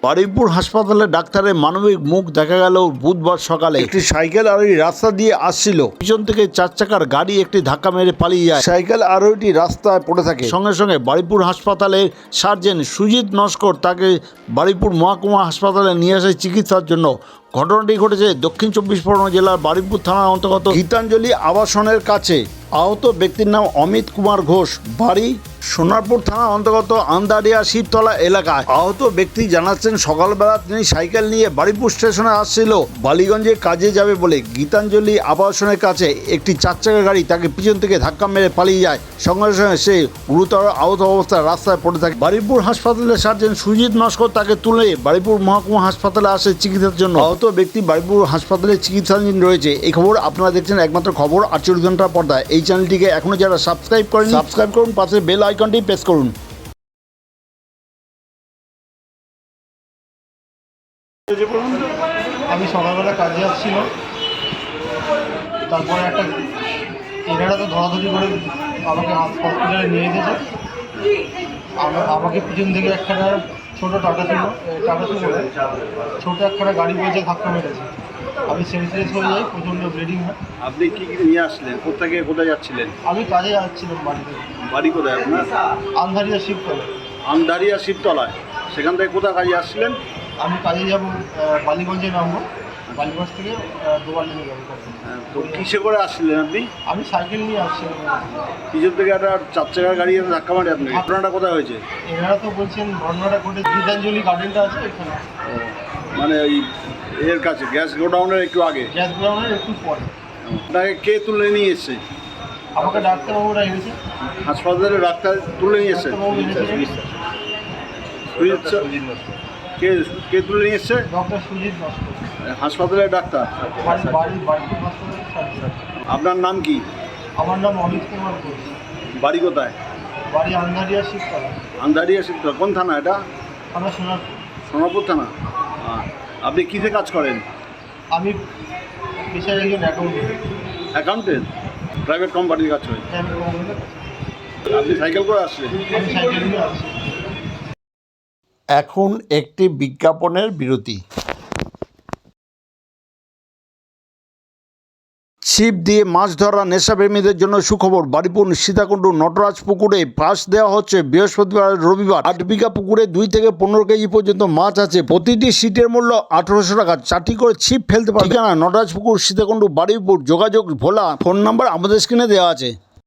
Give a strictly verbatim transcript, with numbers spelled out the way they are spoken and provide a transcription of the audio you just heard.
বারুইপুর হাসপাতালে ডাক্তারের মানবিক মুখ দেখা গেল বুধবার সকালে। একটি সাইকেল আরোহী রাস্তা দিয়ে আসছিল, পিছন থেকে চার চাকার গাড়ি একটি ধাক্কা মেরে পালিয়ে যায়। সাইকেল আরোহীটি রাস্তায় পড়ে থাকে। সঙ্গে সঙ্গে বারুইপুর হাসপাতালের সার্জন সুজিত নস্কর তাকে বারুইপুর মহকুমা হাসপাতালে নিয়ে আসে চিকিৎসার জন্য। ঘটনাটি ঘটেছে দক্ষিণ চব্বিশ পরগনা জেলার বারুইপুর থানার অন্তর্গত গীতাঞ্জলি আবাসনের কাছে। আহত ব্যক্তির নাম অমিত কুমার ঘোষ, বাড়ি সোনারপুর থানার অন্তর্গত আন্দারিয়া শিবতলা এলাকায়। আহত ব্যক্তি জানাচ্ছেন, সকালবেলা তিনি সাইকেল নিয়ে বারুইপুর স্টেশনে আসছিল বালিগঞ্জে কাজে যাবে বলে। গীতাঞ্জলি আবাসনের কাছে একটি চার চাকা গাড়ি তাকে পিছন থেকে ধাক্কা মেরে পালিয়ে যায়। সঙ্গে সঙ্গে সে গুরুতর আহত অবস্থায় রাস্তায় পড়ে থাকে। বারুইপুর হাসপাতালের সার্জন সুজিত নস্কর তাকে তুলে বারুইপুর মহকুমা হাসপাতালে আসে চিকিৎসার জন্য। আহত ব্যক্তি বারুইপুর হাসপাতালে চিকিৎসাধীন রয়েছে। এই খবর আপনারা দেখছেন একমাত্র খবর আটচল্লিশ ঘন্টার পর্দায়। এই চ্যানেলটিকে এখনো যারা সাবস্ক্রাইব করেন সাবস্ক্রাইব করুন, পাশে বেল আইকনটি প্রেস করুন। আমি সকালবেলা কাজে আসছিল, তারপরে একটা এনারা তো ধরাধরি করে আমাকে হসপিটালে নিয়ে গেছে। আমাকে পিছন থেকে একখানা ছোটো টাটা ছিল টাটা ছিল ছোটো একখানা গাড়ি বসে ধাক্কা মেরেছে। আমি সেন্সলেস হয়ে যাই, প্রচণ্ড ব্লিডিং হয়। আপনি কি কি নিয়ে আসলেন? কোথা থেকে কোথায় যাচ্ছিলেন? আমি কাজে যাচ্ছিলাম বাড়িতে। বাড়ি কোথায় আপনার? আন্ধারিয়া শিবতলা। আমদারিয়া শিবতলায়। সেখান থেকে কোথায় কাজে আসছিলেন? আমি কাজে যাব বালিগঞ্জে নামবো, বালিগঞ্জ থেকে দোয়াল নিয়ে যাবো। তো কিসে করে আসছিলেন আপনি? আমি সাইকেল নিয়ে আসছিলাম। পিছন থেকে একটা চার চাকার গাড়ি এসে ধাক্কা মারে আপনি। ঘটনাটা কোথায় হয়েছে? এনারা তো বলছেন ঘটনাটা ঘটে গীতাঞ্জলি গার্ডেনটা আছে এখানে, মানে ওই এর কাছে গ্যাস গোডাউনের একটু আগে। গ্যাস গোডাউনের একটু পরে। আপনাকে কে তুলে নিয়ে এসছে? আমাকে ডাক্তারবাবুরা এনেছে। হাসপাতালে ডাক্তার তুলে নিয়ে এসছে? ডাক্তারবাবু এনেছে। কে কে তুলে নিয়ে এসছে? ডক্টর সুজিত নস্কর, হাসপাতালের ডাক্তার। বাড়ি বাড়ি বাড়িপুর হাসপাতালের। আপনার নাম কি? আমার নাম অমিত কুমার ঘোষ। বাড়ি কোথায়? বাড়ি আন্ধারিয়া শিবতলা। আন্দারিয়া শিবতলা। কোন থানা এটা? আমরা সোনারপুর। সোনারপুর থানা। আপনি কিসে কাজ করেন? আমি পেশায় একজন অ্যাকাউন্টেন্ট। অ্যাকাউন্টেন্ট? প্রাইভেট কোম্পানির কাজ করেন? আপনি সাইকেল করে আসছেন? আমি সাইকেল নিয়ে আসছি। এখন একটি বিজ্ঞাপনের বিরতি। ছিপ দিয়ে মাছ ধরা নেশাপ্রেমীদের জন্য সুখবর। বারুইপুর সীতাকুণ্ডু নটরাজ পুকুরে পাস দেওয়া হচ্ছে বৃহস্পতিবার রবিবার। আট বিঘা পুকুরে দুই থেকে পনেরো কেজি পর্যন্ত মাছ আছে। প্রতিটি সিটের মূল্য আঠারোশো টাকা। চারটি করে ছিপ ফেলতে পারে। ঠিকানা নটরাজ পুকুর, সীতাকুণ্ডু, বারুইপুর। যোগাযোগ ভোলা। ফোন নাম্বার আমাদের স্ক্রিনে দেওয়া আছে।